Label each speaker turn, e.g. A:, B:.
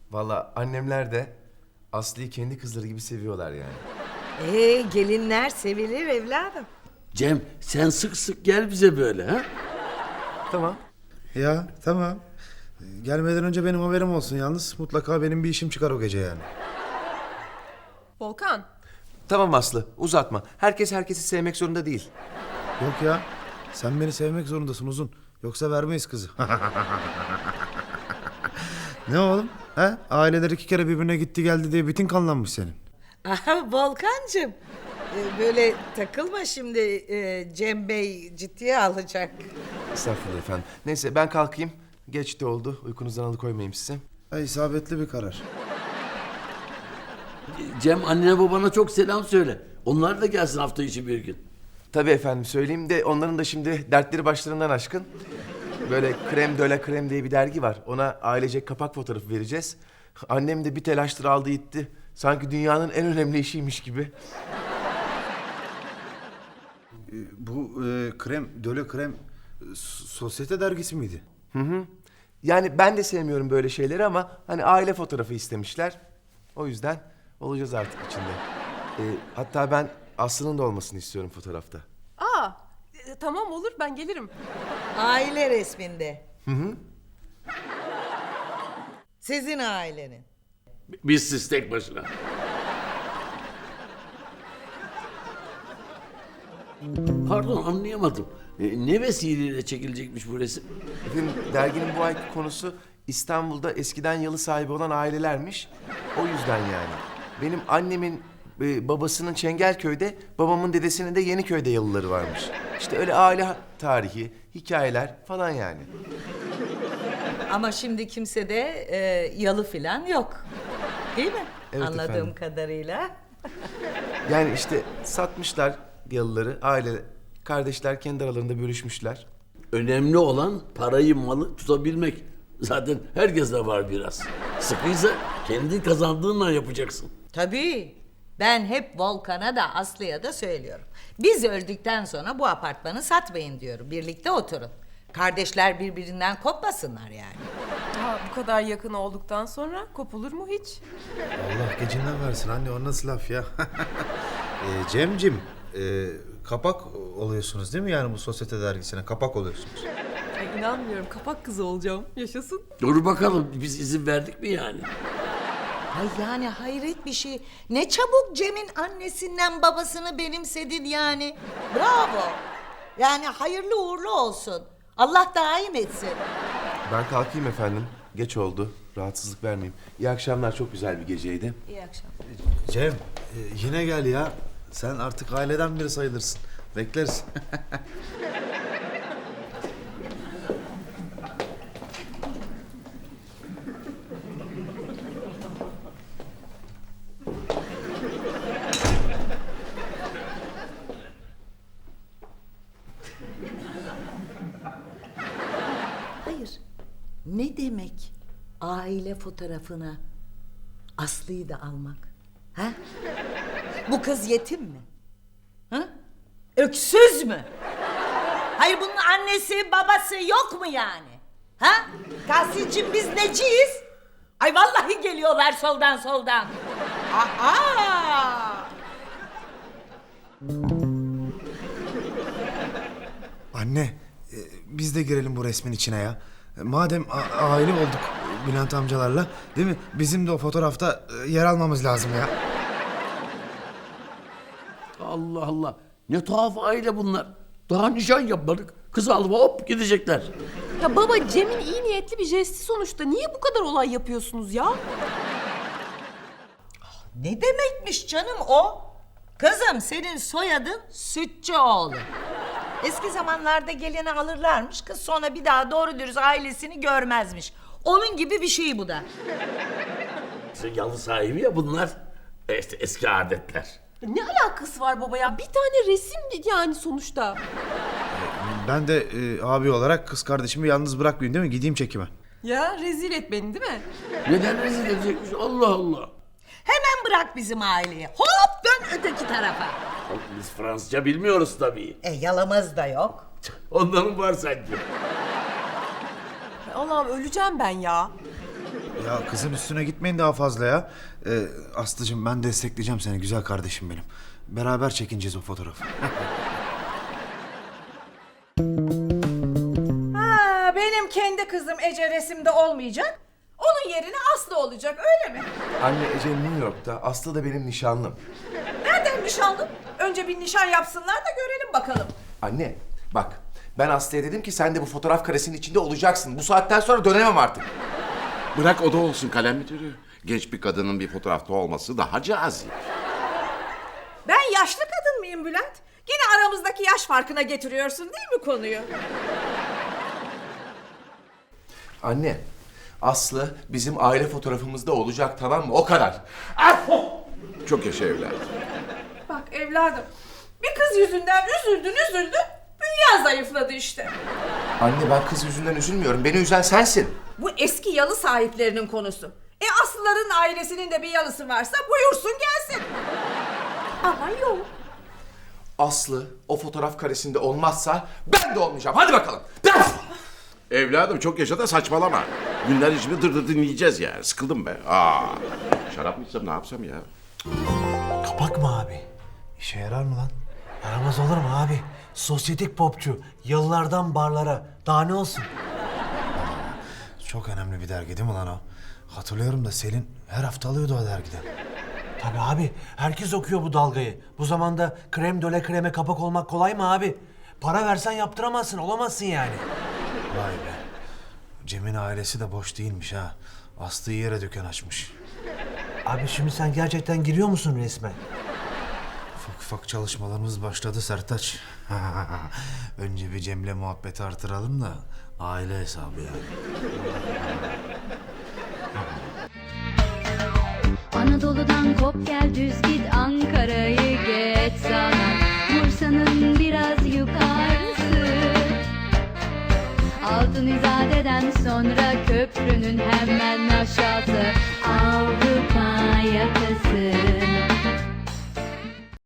A: Vallahi annemler de Aslı'yı kendi kızları gibi seviyorlar yani.
B: Gelinler sevilir evladım.
C: Cem sen sık sık gel bize böyle ha?
A: Tamam.
D: Ya tamam. Gelmeden önce benim haberim olsun yalnız. Mutlaka benim bir işim çıkar o gece yani.
E: Volkan,
A: Tamam Aslı, uzatma. Herkes herkesi sevmek zorunda değil.
D: Yok ya. Sen beni sevmek zorundasın Uzun. Yoksa vermeyiz kızı. Ne oğlum? He? Aileler 2 kere birbirine gitti geldi diye bitin kanlanmış senin.
B: Aha Volkancığım. Böyle takılma şimdi, Cem Bey ciddiye alacak.
A: Estağfurullah efendim. Neyse ben kalkayım. Geç de oldu. Uykunuzdan alıkoymayayım sizi.
D: İsabetli bir karar.
C: Cem annene babana çok selam söyle. Onlar da gelsin hafta içi bir gün.
A: Tabii efendim söyleyeyim de onların da şimdi dertleri başlarından aşkın. Böyle Krem de la Krem diye bir dergi var. Ona ailecek kapak fotoğrafı vereceğiz. Annem de bir telaştır aldı gitti. Sanki dünyanın en önemli işiymiş gibi.
D: Bu krem, döle krem sosyete dergisi miydi?
A: Yani ben de sevmiyorum böyle şeyleri ama hani aile fotoğrafı istemişler. O yüzden olacağız artık içinde. Hatta ben Aslı'nın da olmasını istiyorum fotoğrafta.
E: tamam olur ben gelirim.
B: Aile resminde. Sizin ailenin.
C: Biz siz tek başına. Pardon anlayamadım. Ne vesileyle çekilecekmiş bu resim?
A: Efendim derginin bu ayki konusu İstanbul'da eskiden yalı sahibi olan ailelermiş. O yüzden yani. Benim annemin babasının Çengelköy'de, babamın dedesinin de Yeniköy'de yalıları varmış. İşte öyle aile tarihi, hikayeler falan yani.
B: Ama şimdi kimse de yalı filan yok. Değil mi?
A: Evet
B: Anladığım
A: efendim.
B: kadarıyla.
A: Yani işte satmışlar yalıları, aile, kardeşler kendi aralarında bölüşmüşler.
C: Önemli olan parayı malı tutabilmek. Zaten herkeste var biraz. Sıkıysa kendi kazandığınla yapacaksın.
B: Tabii. Ben hep Volkan'a da Aslı'ya da söylüyorum. Biz öldükten sonra bu apartmanı satmayın diyorum. Birlikte oturun. Kardeşler birbirinden kopmasınlar yani.
E: Bu kadar yakın olduktan sonra kopulur mu hiç?
D: Allah gecinden versin anne, o nasıl laf ya? Cemcim, kapak oluyorsunuz değil mi yani bu sosyete dergisine? Kapak oluyorsunuz.
E: Ay inanmıyorum kapak kızı olacağım. Yaşasın.
C: Dur bakalım biz izin verdik mi yani?
B: Ay yani hayret bir şey. Ne çabuk Cem'in annesinden babasını benimsedin yani. Bravo. Yani hayırlı uğurlu olsun. Allah daim etsin.
A: Ben kalkayım efendim. Geç oldu. Rahatsızlık vermeyeyim. İyi akşamlar. Çok güzel bir geceydi.
B: İyi akşamlar.
D: Cem, yine gel ya. Sen artık aileden biri sayılırsın. Bekleriz.
B: Hayır. Ne demek aile fotoğrafına Aslı'yı da almak? Ha? Bu kız yetim mi? Ha? Öksüz mü? Hayır bunun annesi babası yok mu yani? Ha? Tahsin'cim biz neciyiz? Ay vallahi geliyorlar soldan. Aa!
D: Anne, biz de girelim bu resmin içine ya. Madem aile olduk Bülent amcalarla, değil mi? Bizim de o fotoğrafta yer almamız lazım ya.
C: Allah Allah. Ne tuhaf aile bunlar. Daha nişan yapmadık. Kız alıp hop gidecekler.
E: Ya baba Cem'in iyi niyetli bir jesti sonuçta. Niye bu kadar olay yapıyorsunuz ya?
B: Ne demekmiş canım o? Kızım senin soyadın Sütçüoğlu. Eski zamanlarda gelini alırlarmış, kız sonra bir daha doğru dürüst ailesini görmezmiş. Onun gibi bir şey bu da.
C: İşte yalı sahibi ya bunlar. İşte eski adetler.
E: Ne alakası var baba ya? Bir tane resim yani sonuçta.
D: Ben de abi olarak kız kardeşimi yalnız bırakmayayım değil mi? Gideyim çekime.
E: Ya rezil et beni değil mi?
C: Neden rezil edecekmiş? Allah Allah.
B: Hemen bırak bizim aileyi. Hop dön öteki tarafa.
C: Biz Fransızca bilmiyoruz tabii.
B: Yalamaz da yok.
C: Onların var sanki.
E: Ay Allah'ım öleceğim ben ya.
D: Ya kızın üstüne gitmeyin daha fazla ya. Aslıcığım ben destekleyeceğim seni güzel kardeşim benim. Beraber çekineceğiz o fotoğrafı.
F: Ha, benim kendi kızım Ece resimde olmayacak. Onun yerine Aslı olacak öyle mi?
A: Anne Ece New York'ta, Aslı da benim nişanlım.
F: Nereden nişanlın? Önce bir nişan yapsınlar da görelim bakalım.
A: Anne bak, ben Aslı'ya dedim ki sen de bu fotoğraf karesinin içinde olacaksın. Bu saatten sonra dönemem artık.
G: Bırak o da olsun kalem müdürü. Genç bir kadının bir fotoğrafta olması daha cazip.
F: Ben yaşlı kadın mıyım Bülent? Yine aramızdaki yaş farkına getiriyorsun değil mi konuyu?
A: Anne, Aslı bizim aile fotoğrafımızda olacak, tamam mı? O kadar.
G: Çok yaşa evladım.
F: Bak evladım, bir kız yüzünden üzüldün, bünyen zayıfladı işte.
A: Anne ben kız yüzünden üzülmüyorum. Beni üzen sensin.
F: Bu eski yalı sahiplerinin konusu. Aslıların ailesinin de bir yalısı varsa buyursun gelsin. Ama yok.
A: Aslı o fotoğraf karesinde olmazsa ben de olmayacağım. Hadi bakalım.
G: Evladım çok yaşa da saçmalama. Günler içinde dır dinleyeceğiz ya. Sıkıldım be. Şarap mı içsem ne yapsam ya?
H: Kapak mı abi?
D: İşe yarar mı lan?
H: Yaramaz olur mu abi? Sosyetik popçu. Yıllardan barlara. Daha ne olsun?
D: Çok önemli bir dergi değil mi lan o? Hatırlıyorum da Selin her hafta alıyordu o dergiden.
H: Tabii abi. Herkes okuyor bu dalgayı. Bu zamanda krem döle kreme kapak olmak kolay mı abi? Para versen yaptıramazsın. Olamazsın yani.
D: Vay be. Cem'in ailesi de boş değilmiş ha. Aslı'yı yere dükkan açmış.
H: Abi şimdi sen gerçekten giriyor musun resme?
D: Ufak ufak çalışmalarımız başladı Sertaç. Önce bir Cem'le muhabbeti artıralım da aile hesabı yani.
I: Anadolu'dan kop gel düz git Ankara'yı geç sana Bursa'nın biraz yukarısı Altın İzade'den sonra köprünün hemen aşağısı